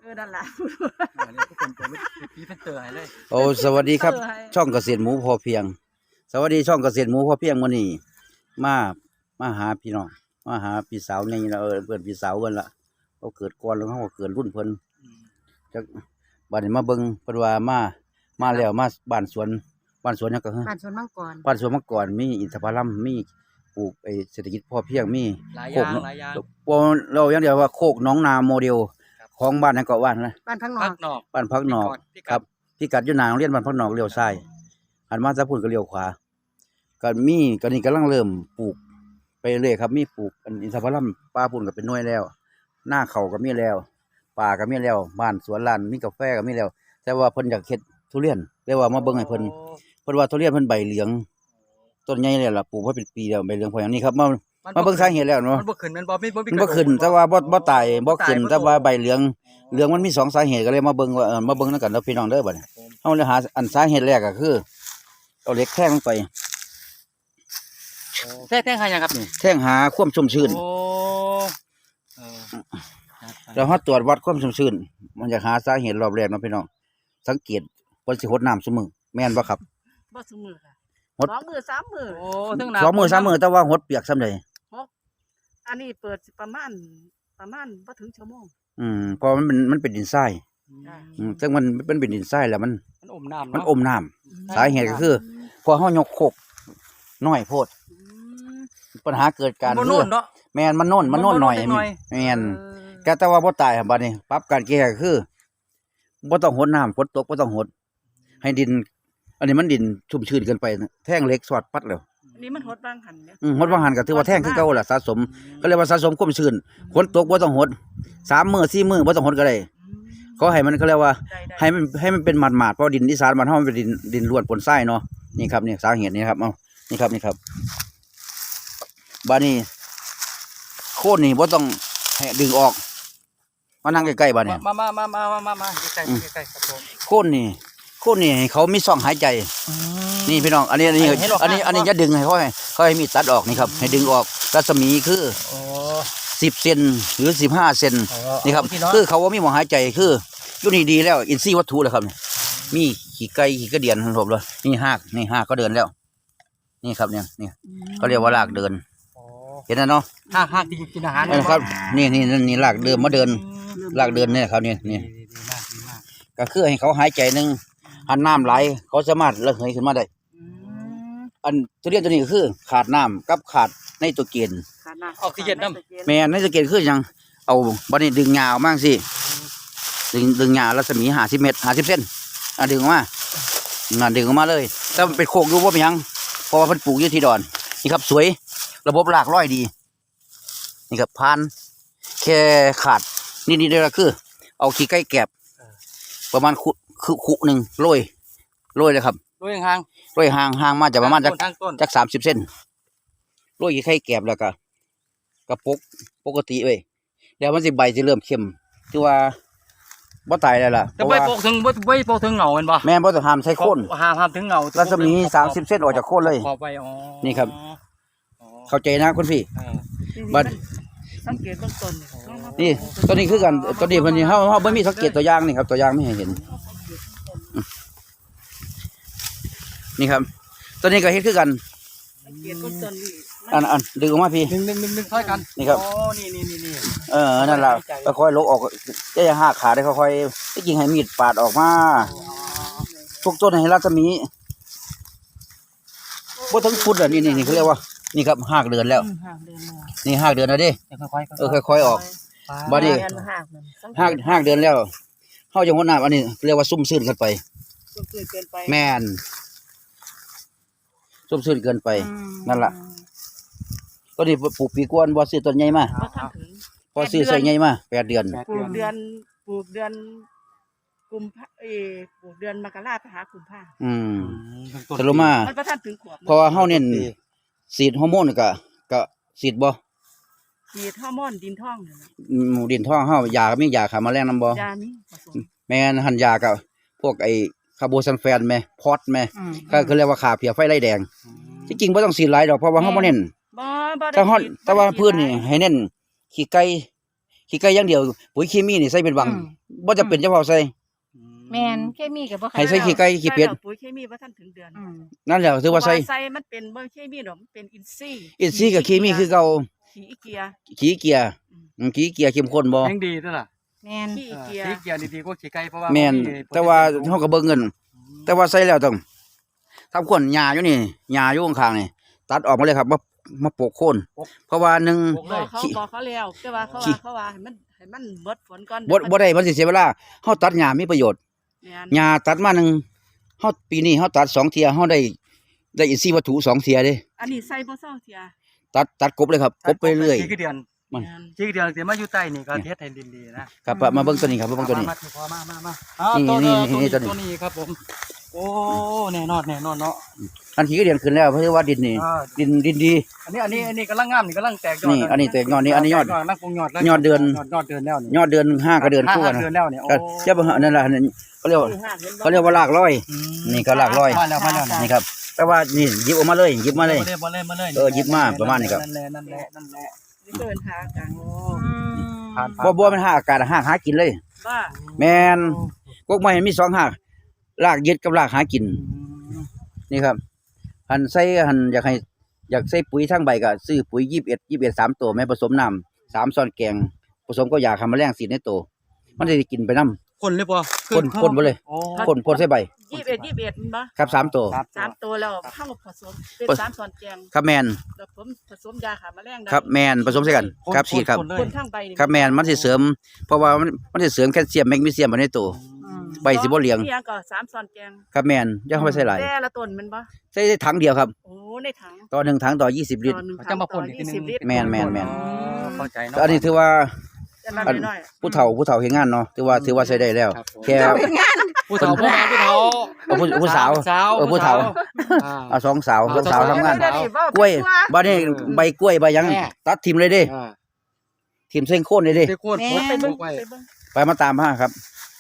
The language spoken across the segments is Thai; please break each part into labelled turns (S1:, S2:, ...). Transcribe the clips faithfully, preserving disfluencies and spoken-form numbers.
S1: อนั่นล่ะ
S2: อันนี้ทุกคนจะไม่พี่เป็นเตอร์ให้เลย
S3: โอ้สวัสดีครับช่องเกษตรหมูพอเพียงสวัสดีช่องเกษตรหมูพอเพียงมื้อนี้มามาหาพี่น้องมาหาพี่สาวนี่ละเออเพิ่นพี่สาวเพิ่นละเขาเกิดก่อนแล้วเขาก็เกิดรุ่นเพิ่นจักบัดนี้มาเบิ่งเพิ่นว่ามามาแล้วมาบ้านสวนบ้านสวนหยังก็ฮะ
S1: บ้านสวนมังกร
S3: บ้านสวนมังกรมีอินทผลัมมีปลูกไอ้เศรษฐกิจพอเพียงมีโคกหลายอย่างบ่เราอย่างเดียวว่าโคกหนองนาโมเดลของบ้านนั้นก็ว่านนะ
S1: บ้านพักนอก
S3: บ้านพักนอกครับพิกัดอยู่หน้าโรงเรียนบ้านพักนอกเลี้ยวซ้ายหันมาซะพุ่นก็เลี้ยวขวาก็มีก็นี่กำลังเริ่มปลูกไปเรื่อยครับมีปลูกอินทผลัมป่าพุ่นก็เป็นหน่วยแล้วหน้าเขาก็มีแล้วป่าก็มีแล้วบ้านสวนลานมีกาแฟก็มีแล้วแต่ว่าเพิ่นอยากเฮ็ดทุเรียนเลยว่ามาเบิ่งให้เพิ่นเพิ่นว่าทุเรียนเพิ่นใบเหลืองต้นใหญ่แล้วล่ะปลูกมาเป็นปีแล้วใบเหลืองพออย่างนี้ครับมามาเบิ่งสาเหตุแล้วเนาะ
S2: มันบ่ขึ้นมันบ่มีบ่มี
S3: มันบ่ขึ้นแต่ว่าบ่บ่ตายบ่ขึ้นแต่ว่าใบเหลืองเหลืองมันมีสองสาเหตุก็เลยมาเบิ่งว่าเออมาเบิ่งนำกันเนาะพี่น้องเด้อบัดนี้เฮาเลยหาอันสาเหตุแรกก็คือเอาเหล็กแท่งลงไป
S2: แท่งแท่งหาหยังครับนี่
S3: แท่งหาความชุ่มชื้น
S2: โอ้เออ
S3: แล้วเฮาตรวจวัดความชุ่มชื้นมันจะหาสาเหตุรอบแรกเนาะพี่น้องสังเกตเพิ่นสิรดน้ำซุมื้อแม่นบ่ครับ
S1: บ่ซุมื้อค่ะสองมื้อสามมื้อ
S2: โอ้ถึงน้ำ
S3: สองมื้อสามมื้อแต่ว่าหดเปียกส่ำใด
S1: อันนี้เปิดประมาณประมาณบ่ถึงชั่วโมง
S3: อืมเพราะมันเป็นมันเป็นดินทรายอืมซึ่งมันมันเป็นดินทรายแล้วมัน
S2: มันอมน้ำ
S3: มันอมน้ำสาเหตุก็คือพอเฮายกโคกน้อยโพดปัญหาเกิดการคือแม่นมันโน่นมันโน่นหน่อยแม่นก็แต่ว่าบ่ตายครับบัดนี้ปรับการแก้ก็คือบ่ต้องหดน้ำฝนตกบ่ต้องหดให้ดินอันนี้มันดินชุ่มชื้นเกินไปแท่งเหล็กสอดปัดแล้ว
S1: อันนี้มันหดบางหันเนี่ย
S3: อืมหดบางหันก็ถือว่าแท่งคือเก่าล่ะสะสมก็เรียกว่าสะสมความชื้นฝนตกบ่ต้องหดสามมื้อสี่มื้อบ่ต้องหดก็ได้เขาให้มันเขาเรียกว่าให้มันให้มันเป็นหมาดๆเพราะดินอีสานบ้านเฮามันเป็นดินดินล้วนปนทรายเนาะนี่ครับนี่สาเหตุนี้ครับเอ้านี่ครับนี่ครับบัดนี้โคนนี่บ่ต้องให้ดึงออกมานั่งใกล้ๆบัดนี้
S2: มามามามามามาใกล้ๆใกล้ๆครับผม
S3: โคนนี่โคนนี่ให้เขามีช่องหายใจนี่พี่น้องอันนี้อันนี้อันนี้อันนี้จะดึงให้เขาให้เขาให้มีตัดออกนี่ครับให้ดึงออกรัศมีคือสิบเซนหรือสิบห้าเซนนี่ครับคือเขาว่ามีหมอหายใจคืออยู่นี่ดีแล้วอินทรีย์วัตถุแล้วครับมีขี้ไก่ขี้กระเดียนทั้งหมดเลยนี่หากนี่หากก็เดินแล้วนี่ครับเนี่ยนี่เขาเรียกว่าลากเดินเห็นไหมเนาะ
S2: หากหากที่กินอาหาร
S3: นะครับนี่นี่นี่ลากเดินมาเดินลากเดินเนี่ยครับนี่นี่ก็คือให้เขาหายใจหนึ่งหันน้ำไหลเขาสามารถระเหยขึ้นมาได้อันตัวเรียนตัวนี้ก็คือขาดน้ำกับขาดไนโตรเจน
S2: ออกซิเจนน้ำ
S3: แม่ไนโตรเจนคือยังเอาบัดนี้ดึงยาวมากสิดึงดึงยาวรัศมีห้าสิบเมตรห้าสิบเซนอ่ะดึงออกมาอ่ะดึงออกมาเลยแต่เป็นโคกดูว่าเป็นยังเพราะว่าเพิ่นปลูกอยู่ที่ดอนนี่ครับสวยระบบรากร้อยดีนี่ครับพันแค่ขาดนี่นี่เลยก็คือเอาขี้ไก่แกบประมาณขุคือขุหนึ่งโรยโรยเลยครับ
S2: โรยห่าง
S3: โรยห่างห่างมาจากประมาณจากจากสามสิบเซนโรยขี้ไก่แกบแล้วก็กระปุกปกติเว้ยแล้วมันสิใบจะเริ่มเข้มคือว่าบ่ตายแล้วล่ะ
S2: จะใบโปกถึงใบใบโปกถึงเหงาเป็นบ่
S3: แม่บ่ต้องห้ามใช้โคน
S2: ห้ามห้ามถึงเหงา
S3: รัศมีสามสิบเซนออกจากโคนเลยนี่ครับเข้าใจนะคุณพี่บัด
S1: สังเกตต้นต้น
S3: นี่ตัวนี้คือกันตัวนี้เพิ่นนี่เฮาเฮาบ่มีสังเกตตัวอย่างนี่ครับตัวอย่างไม่ให้เห็นนี่ครับตัวนี้ก็เฮ็ดคือกันอันอันดึงออกมาพี่
S2: ดึงดึงดึงดึงค่อยกัน
S3: นี่ครับ
S2: โอ้นี่นี่นี่นี่
S3: เออนั่นล่ะค่อยๆลกออกจะอย่าหักขาได้ค่อยๆที่จริงให้มีดปาดออกมาทุกต้นให้รัศมีบ่ถึงฟุตอ่ะนี่นี่นี่เขาเรียกว่านี่ครับหักเดือนแล้วนี่หักเดือนแล้วดิเออค่อยๆออกบัดนี้หักหักเดือนแล้วเฮาจังหวะน้ำอันนี้เรียกว่าซุ่มซื่นกันไป
S1: ซุ่มซื่นเกินไป
S3: แม่นซุ่มซื่นเกินไปนั่นล่ะตัวนี้ปลูกปีกวนบ่ซื้อต้นใหญ่มาพอซื้อใส่ใหญ่มาแปดเดือน
S1: ปลูกเดือนปลูกเดือนกุมภาเอปลูกเดือนมกราคมไปหากุมภา
S3: อืมสรุปมา
S1: มันบ่ทันถึงขวบ
S3: เพราะว่าเฮาเน้นฉีดฮอร์โมนก็ก็ฉีดบ่
S1: ฉีดฮอร์โมนดินท้อง
S3: อืมดินท้องเฮายาก็มียาฆ่าแมลงนำบ่
S1: ยามีผสม
S3: แม่นหั่นยาก็พวกไอ้คาร์โบซัลแฟนแม่พอดแม่ก็คือเรียกว่าฆ่าเพี้ยไฟไล่แดงที่จริงบ่ต้องฉีดหลายดอกเพราะว่าเฮาบ่เน้น
S1: บ่บ่
S3: แต่เฮาแต่ว่าพืชนี่ให้เน้นขี้ไก่ขี้ไก่อย่างเดียวปุ๋ยเคมีนี่ใส่เป็นวังบ่จะเป็นเฉพาะใส่
S4: แม่นเคมีก็บ่
S3: ให้ใส่ขี้ไก่ขี้เป็ด
S1: ใส่แล้วปุ๋ยเคมีบ่ทันถึงเดือน
S4: อืม
S3: นั่นแหละถือว่าใส่
S1: ใส่มันเป็นบ่เคมีดอกมันเป็นอินทรีย์
S3: อินทรีย์กับเคมีคือเก่า
S1: ขี้อีเกีย
S3: ขี้เกียร์อืมขี้เกียร์เข้มข้นบ่
S2: ยังดีด้วยล่ะ
S4: แม่น
S1: ขี้อี
S2: เออ
S1: เกีย
S2: ขี้เกียจดีๆก็ขี้ไก่เพราะว่า
S3: แม่นแต่ว่าเฮาก็เบิ่งเงิน แต่ว่าใส่แล้วต้องทำคนหญ้าอยู่นี่หญ้าอยู่ข้างๆนี่ตัดออกมาเลยครับมามาโปกโคนเพราะว่าหนึ่ง
S2: ปก
S1: บ
S2: เล
S1: อก
S2: ย
S1: เขาบอกเขาแล้วแต่ว่าเขา
S3: ขี้
S1: ว่าเขาว่าให้มันให้มันเบิดฝนก่อน
S3: บ่บ่ได้มันสิเสียเวลาเฮาตัดหญ้ามีประโยชน์
S1: แม่น
S3: หญ้าตัดมาหนึงเฮาปีนี้เฮาตัดสองเที่ยเฮาได้ได้อินทรีย์วัตถุสองเที่ยเด้
S1: อันนี้ใส่บ่เศร้าเทีย
S3: ตัดตัดกบเลยครับกบไปเรื่อย
S2: ขี้เดือน
S3: มัน
S1: แม่น
S2: ขี้เดือนสิมาอยู่ใต้นี่ก็เทศให้ดินดีนะครับ
S3: มาเบิ่งตัวนี้ครับมาเบิ่งตัวนี้
S2: มาพอมามามาอ่า
S3: นี่
S2: ตัว
S3: นี่
S2: ตัว
S3: นี่
S2: ตัว
S3: ตัวนี้
S2: นี้ครับผมโอ้แน่นอนแน่นอนเนาะ
S3: อันขี้เดียนขึ้นแล้วเพราะว่าดินนี่
S2: อ่า
S3: ดินดินดี
S2: อันนี้อันนี้อันนี้กำลังงามนี่กำลังแตกยอด
S3: นี่อันนี้แตกยอดนี่อันนี้ยอด
S2: นั่งปรุงยอดแล้ว
S3: ยอดเดือน
S2: ยอดเดือนแล้วนี่
S3: ยอดเดือนห้าก็เดือนคู่กัน
S2: ห้า
S3: นะ
S2: เดือนแล้วเนี่ยโอ้
S3: ก็เจ้าบ่ฮะนั่นล่ะนั่นเขาเรียกว่า
S1: ที่ห้าเห็นบ่
S3: เขาเรียกว่าลากร้อย
S2: อืม
S3: นี่ก็ลากร้อย
S2: มาแล้วมาแล้ว
S3: นี่ครับ แต่ว่านี่หยิบออกมาเลยหยิบมาเลย
S2: มาเลยมาเลยมาเลย
S3: เออหยิบมาประมาณนี้ครับ
S2: นั่นแหละนั่นแหละนั่นแหละ
S1: นี่เกินหากลางโอ้
S4: อืม
S2: ผ่าน
S3: บ่บ่มันหาอากาศหาหากินเลย
S1: บ้า
S3: แม่นกกไม้มีสองหากรากยึดกับรากหากิน
S2: อืม
S3: นี่ครับหันใส่หันอยากให้อยากใส่ปุ๋ยทั้งใบก็ซื้อปุ๋ยยี่สิบเอ็ด ยี่สิบเอ็ด สามตัวแม่ผสมน้ำสามช้อนแกงผสมก็ยาฆ่าแมลงสีดในตัวมันจะได้กินไปน้ำ
S2: คนเลยป่ะ
S3: คนคนบ่เลย
S2: โอ้
S3: พ่นพ่นใส่ใบ
S1: ยี่สิบเอ็ดยี่สิบเอ็ดมันบ่
S3: ครับสามตัว
S2: ครับ
S1: สามตัวแล้วเข้าผสมเป็น
S3: ผส
S1: สามส่วนแกง
S3: ครับแมน
S1: แล้วผมผสมยาฆ่าแมลงได้
S3: ครับแมนผสมใส่กันครับฉีดครับ
S2: นเลย
S1: คนทั้งใบนี่
S3: ครับแมนมันสิเสริม เพราะว่ามันมันสิเสริมแคลเซียมแมกนีเซียมไปในตัว
S4: อืม
S3: ใบสิบ่เหลียง
S1: นี่ยังก็สามส่วนแกง
S3: ครับแมนอย่าเข้าไปใส่หลาย
S1: แต่ละต้นมันบ่
S3: ใส่ได้ถังเดียวครับ
S1: โอ้ในถัง
S3: ต่อหนึ่งถังต่อยี่สิบลิตร
S1: ต่อหนึ่ง
S2: เขา
S1: ถั
S2: จะ
S1: ง
S2: มา
S1: ต่
S2: พ่
S1: อน
S2: อีกที
S1: ยี่
S2: หนึ
S1: สิบ
S2: ง
S1: ลิตร
S3: แม่นแม่นแม่น
S2: อ๋อเข้าใจเนาะ
S3: อันนี้ถือว่า
S1: จะรับ
S3: อัน
S1: น้อย
S3: ผู้เฒ่าผู้เฒ่าเฮ็ดงานเนาะถือว่าถือว่าใช้ได้แล้ว
S2: ครับผม
S3: แค่
S2: ผู้เฒ่าผู้เฒ่าผู้เฒ่า
S3: เอาผู้ผู้สาว
S2: สาว
S3: เออผู้เฒ่า
S2: อ่า
S3: เอาสองสาวสองสาวทำงาน
S1: เดี๋ยวนี้เว้าก
S3: ล้วย
S1: ไปทั่
S3: บ้านนี้ใบกล้วยใบหยัง
S2: แม่
S3: ตัดทิ่มเลยเด้
S2: อ่า
S3: ทิ่มเส้นโคนเลยเด้
S2: ได้โคตร
S4: แม่
S2: โคตร
S1: ไป
S2: ไป
S1: เบิ่
S2: เบิ่
S1: ง
S2: งไว้
S1: ไปเบิ่ง
S3: ไปมาตามมาครับ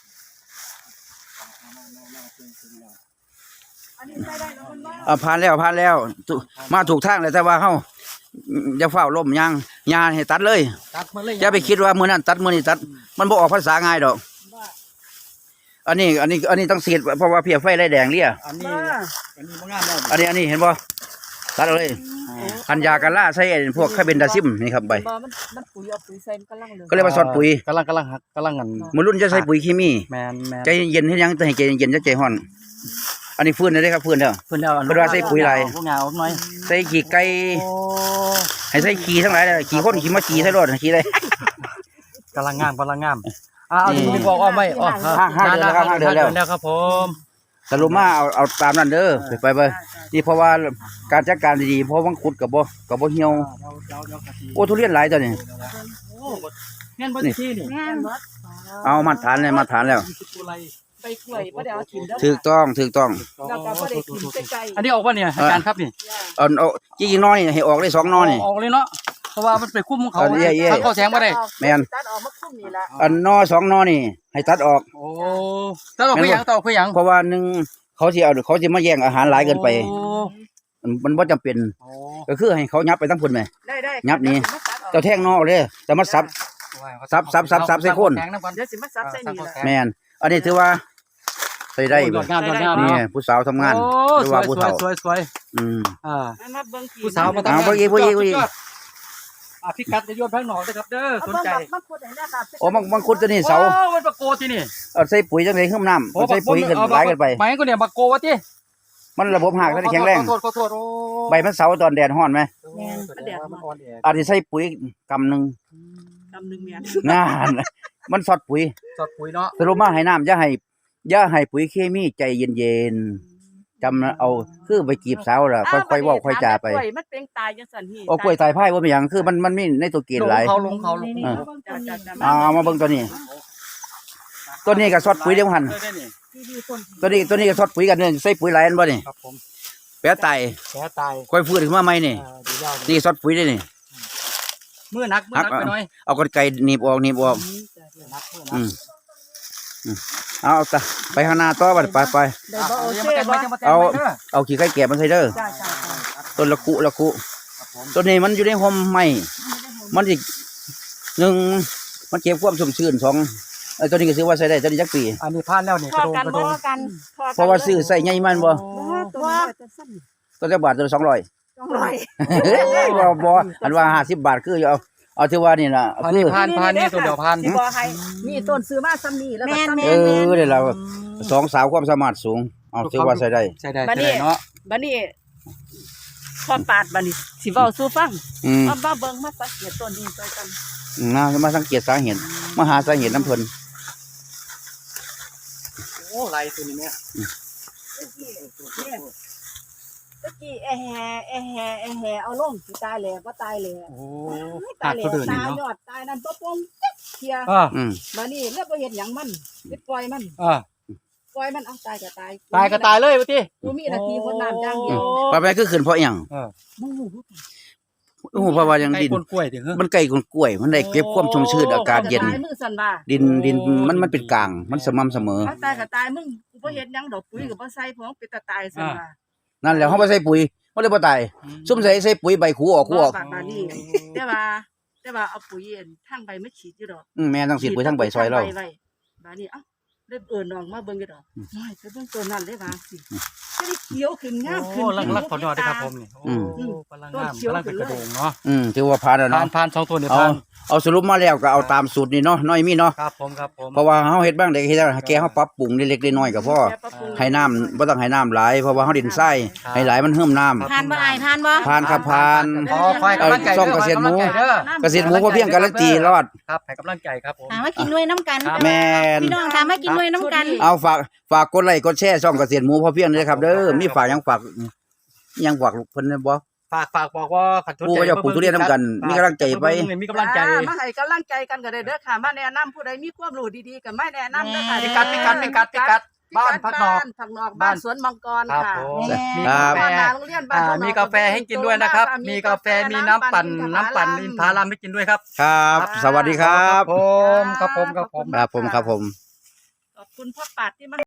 S1: อันนี้ใส่ได้เนาะมันบ่
S3: อ่าผ่านแล้วผ่านแล้วถูกมาถูกทางเลยแต่ว่าเฮาอย่าเฝ้าล้มยางยาให้ตัดเลย
S2: ตัดมาเลย
S3: อย่าไปคิดว่ามื้อนั้นตัดมื้อนี้ตัด มันบ่ออกภาษาง่ายดอก
S1: บ้า
S3: อันนี้ อันนี้อันนี้ต้องเสียดเพราะว่าเพียไฟไล่แดงเลี่ย
S2: อันนี้
S1: บ้า
S2: อันนี้บ่งามแล้ว
S3: อันนี้อันนี้เห็นบ่ตัดเอาเลยอันยากันล่าใส่ไอ้พวกคาเบนดาซิมนี่ครับใบ
S1: บ่มันมันปุ๋ยเอาปุ๋ยใส่มันกำลังเหลือง
S3: ก็เรียกว่าซอสปุ๋ย
S2: กำลังกำลังหักกำลังงัน
S3: มื้อรุ่นจะใส่ปุ๋ยเคมี
S2: แมนแมน
S3: ใจเย็นๆให้ยังแต่ให้ใจเย็นๆจะใจร้อน อันนี้ฟื้นได้เด้ครับฟื้นแล้ว
S2: เพิ่นเอา
S3: เพิ่นว่าใส่ปุ๋ยลาย
S2: พวกงาหน่อย
S3: ใส่ขี้ไก่
S2: โอ้
S3: ให้ใส่ขี้ทั้งหลายเลยขี้คนขี้มาขี้ใส่รถขี้ได้
S2: กำลังงามกำลังงามอ่าเอาดินบอกอ้อมไว้อ๋อ
S3: ห้าห้าเดือนแล้วครับห้าเดือนแล้ว
S2: แล้วครับผม
S3: สรุปมาเอาเอาตามนั้นเด้อไปไปไปนี่เพราะว่าการจัดการดีๆเพราะวังขุดกับบ่กับบ่เหี่ยว
S2: เดี๋ยวเดี๋ยวเดี๋ยวกะทิ
S3: โอ้ทุเรียนหลายตัวนี่
S2: โอ้เงี้ยบ่ที่นี่
S4: แม่น
S3: เอามาตรฐานเลยมาตรฐานแล้ว
S2: ยี่สิบตัวไร
S1: ไปกล้วยบ่ได้เอาถิ่มเด้อ
S3: ถูกต้องถูกต้อง
S1: แล้วก็บ่ได้ถิ่มใกล้ๆ
S2: อันนี้ออกว่าเนี่ยอาจารย์ครับนี่
S3: เอาเอาจริงๆน้อยนี่ให้ออกได้สองน้อยนี่
S2: ออกเลยเนาะเพราะว่ามันไปคุ้มของเขา
S3: อันนี้เย่ๆ
S2: ถ้าเข้าแสงบ่ได้
S3: แม่น
S1: ตัดออกมาคุ้มนี่ล่ะ
S3: อันน้อสองน้อนี่ ให้ตัดออก
S2: โอ้ถ้าเราเพื่อหยังต่อเพื่อหยัง
S3: เพราะว่าหนึ่งเขาสิเอาเขาสิมาแย่งอาหารหลายเกินไป
S2: โอ้
S3: มันมันบ่จำเป็น
S2: โอ้
S3: ก็คือให้เขายับไปทั้งพุ่นไหม
S1: ได้ได้
S3: ยับนี่
S1: เดี๋ยวสิมาตัดออก
S3: เจ้าแท่งนอกเลยแต่มันซับ ซับซับซับซับใส่โคน
S2: แสงำก่อน
S1: เดี๋ยวสิมาซับใส่นี่ล่ะ
S3: แม่นอันนี้ถือว่าใส่ได้
S2: โอ้ย
S3: บ่
S2: ยอดงามยอดงาม
S3: นี่
S2: เนาะ
S3: ผู้สาวทำงาน
S2: โอ้
S3: หรือ
S2: สว
S3: ว่าย ผู้
S2: สวย
S3: เฒ่า
S2: สวยสวย
S3: อืม
S2: อ่า
S1: มามาเบิ่งที่
S2: ผู้สาวมา
S3: อ่าผู้หญิงผู้หญิงผู้หญิง
S2: สุดยอดอ่ะพี่กัดจะโยนแพงหนอกนะครับเด้อสนใจ
S1: มันพูดได้นะครับ
S3: โอ้บางบางคนตัวนี้เสา
S2: โอ้มันปะโกที่นี่
S3: เอาใส่ปุ๋ยจังได๋ขึ้นน้ำมันใส่ปุ๋ยขึ้นหลายเกินไป
S2: หมายก็เนี่ยปะโกวะที่
S3: มันระบบหักได้แข็งแรง
S2: ขอโทษขอโทษโอ้
S3: ใบมันเสาตอนแดดร้อนไหม
S2: แม่นแสดงว่ามันอ่อนแอ
S3: อันนี้ใส่ปุ๋ยกำหนึง
S1: กำหนึงแม่น
S3: นานมันสอดปุ๋ย
S2: สดปุ๋ยเนาะ
S3: สรุปมาให้น้ำอย่าให้อย่าให้ปุ๋ยเคมีใจเย็นๆจำนะเอาคือไปจีบสาวล่ะค่อยๆเว้าค่อยจาไป
S1: กล้วยมันเป็นตายจังซั่นนี่
S3: โอ้กล้วยตายพายบ่เป็นหยังคือมันมันมีในตัวเกณฑ์หลาย
S2: เขาลงเขาลง
S4: นี่
S2: เขา
S4: ๆเบิ่งต้นนี้
S3: เอาเอามาเบิ่งตัวนี้ ตัวนี้ก็สอดปุ๋ยเดียวหัน
S2: ได้นี่
S4: ที่ดีต้น
S3: ตัวนี้ตัวนี้ก็สอดปุ๋ยกันเนี่ยใส่ปุ๋ยหลายอันบ่นี่
S2: ครับผม
S3: แปะไต
S2: แผลตาย
S3: ค่อยฟื้นขึ้นมาใหม่นี่
S2: อ่าดีแล้ว
S3: นี่สอดปุ๋ยได้นี่
S2: มือหนักมือหนักไปหน่อย
S3: เอากรรไกรหนีบออกหนีบออก
S2: มือหนักมือหนั
S3: อื
S2: ก
S3: มอืมเอาเอาตะไปข้างหน้าต่อบัดไปไป
S1: ได้บ่โอ
S2: ยัง
S1: เค
S2: มาแต่ง
S1: บ่
S2: ไว้ยังมาแต่ง
S3: เอา
S2: ไว้เด้อ
S3: เอาขี้ไก่แกะมาใส่เด้อ
S1: จ้าจ้าจ้า
S3: ต้นละคุละคุ
S2: ครับผม
S3: ตัวนี้มันอยู่ในห่มไม้มันสิหนึ่งมันเก็บความชุ่มชื้นสองเอ้ยตัวนี้ก็ซื้อว่าใส่ได้ตัวนี้จักปี
S2: อันนี้ผ่านแล้วนี่
S1: พ
S2: ก
S1: อ
S2: ระโดง
S1: กัน
S2: กระโด
S1: บ่
S2: ง
S4: กัน
S1: พอกัน
S3: เพราะว่าซื้อใส่ใหญ่มันบ่
S1: บ่ตัวนี้จะสั้น
S3: ตัวละบาทตัวละสองร้อย
S1: สองร้อย
S3: บ่บ่อันว่าห้าสิบบาทคือเอาเอาที่ว่านี่ล่ะ
S2: อัน
S3: คื
S2: นี้
S3: อ
S2: ผ่านผ่านนี่ตัวเดียวผ่าน
S1: สิบ่ให้นี่ต้นซื้อมาซ้ำนี่แล้วก็ซ้ำ
S3: เออเดี๋ยวเราสองสาวความสามารถสูงเอาถือว่าใส่ได้
S2: ใช่ได้ใช่ได้เนาะ
S1: บัดนี้พอปาดบัดนี้สิเว้าสู่ฟัง
S3: อืม
S1: มามาเบิ่งมาสังเกตต้นนี้ช่วยกัน
S3: นะมาสังเกตสาเหตุมาหาสาเหตุน้ำเพิ่น
S2: โอ้ไรตัวนี้เนี่ย
S1: ตะกี้เนี่ยตะกี้แอแฮแอแฮแอแฮเอาลงสิตายแหล่บ่ตายแหล่
S2: โอ้
S1: ตา
S2: หั
S1: ย
S2: ก
S1: แหล่
S2: ตัวเดิน
S1: ตา
S2: นี่
S1: ยย
S2: เนาะ
S1: อดตายนั่นบ่ปงจักเที่ย
S2: อ่า
S3: อืม
S1: บัดนี้แล้วบ่เฮ็ดหยังมันไปปล่อยมัน
S2: อ่า
S1: ปล่อยมันเอาตายก็ตาย
S2: ตายก็ตายเลยว่าติ
S1: กูมีหน้าที่คนน้ำอย่างเดี
S3: อื
S1: ยว
S3: มว่าไปคือขึ้นเพราะอิหยัง
S2: เออ
S1: มึงรู้
S3: โอ้เพราะว่ายังดิน
S2: ไก่กล้วยถึงเหรอ
S3: มันใกล้กับกล้วย มันได้เก็บความชุ่มชื้นอากาศเย็น
S1: ตายมือสั่นว่า
S3: ดินดินมันมันเป็นกลาง มันสม่ำเสมอ
S1: เอาตายก็ตายมึงกูบ่เฮ็ดหยังดอกปุ๋ยก็บ่ใส่เพราะเป็นตาตายสั่นว่า
S3: นั่นแหละเฮาบ่ใส่ปุ๋ยมันเลยบ่ตายซุ่มใส่ใส่ปุ๋ยใบขูออกขูออก
S1: บาดนี้แต่ว่าแต่ว่าเอาปุ๋ยอันทางใบมาฉีดอยู่ดอก
S3: อืมแม่ต้องสิปุ๋ยทั้งใบซอยเรา
S1: ไว้บาดนี้เอ้าเริ่มเอิ้นน้องมาเบิ่งอยู่ดอกน้อยไปเบิ่งต้นนั้นเลยว่าสิจะได้เขียวขึ้นงามขึ้น
S2: โอ้ลังลักขอดอดด้วยครับผมนี่โอ้กำลังงามกำลังเป็นกระโดงเนาะ
S3: อืมถือว่าผ่านแล้ว
S2: ผ่า
S3: เนาะ
S2: นผ่านสองตัวเนี่ย
S3: เอา
S2: ผ่าน
S3: เอาสรุปมาแล้วก็เอาตามสูตรนี่เนาะน้อยมีเนาะ
S2: ครับผมครับผม
S3: เพราะว่าเฮาเฮ็ดบ้างได้เฮ็ดแล้วแกเฮาปรับปรุงเล็กๆน้อยๆก็พอ
S1: แปรับปรุง
S3: ให้น้ำบ่ต้องให้น้ำหลายเพราะว่าเฮาดินทรายให้หลายมันเฮิ่มน้ำ
S4: ผ่านบ่อายผ่านบ่
S3: ผ่านครับผ่าน
S2: ขอคอยกำลังใจ
S3: ซ่อมเกษตรหมู
S2: เด้อ
S3: เกษตรหมูพอเพียงการันตีรอด
S2: ครับให้กำลังใจครับผม
S4: ถามว่ากินด้วยน้ำกัน
S3: แม่น
S4: พี่น้องถามว่ากินด้วยน้ำกัน
S3: เอาฝากฝากกดไลค์กดแชร์ช่องเกษตรหมูพอเพียงด้วยครับเด้อมีฝากหยังฝากหยังฝากเพิ่นได้บ่
S2: ฝากฝากบอกว่าขัดทุน
S3: ผู้ก็จะปลูกทุเรียนนำกันมีกำลังใจไป
S2: มีกำลังใจ
S1: อ่ามาให้กำลังใจกันก็ได้เด้อค่ะมาแนะนำผู้ใดมีความรู้ดีๆก็มาแนะนำเด้อค่ะ
S2: พิกัดพิกัดพิกัดพิกัดบ้านพักนอก
S1: พักนอกบ้านสวนมังกร
S2: ครับ
S1: ค่ะ
S2: ผม
S4: แม่
S2: มี
S3: ครั
S2: กา
S3: บ
S2: แฟ
S1: บ้านนาโรงเรียนบ้าน
S2: อ่า
S1: พักนอก
S2: มีกาแฟให้กินด้วยนะครับ มีกาแฟมีน้ำปั่นน้ำปั่นอินทผลัมให้กินด้วยครับ
S3: ครับ สวัสดีครับ
S2: ผมครับผมครับผม
S3: ครับผมครับผม
S1: ขอบคุณพ่อปาดที่มา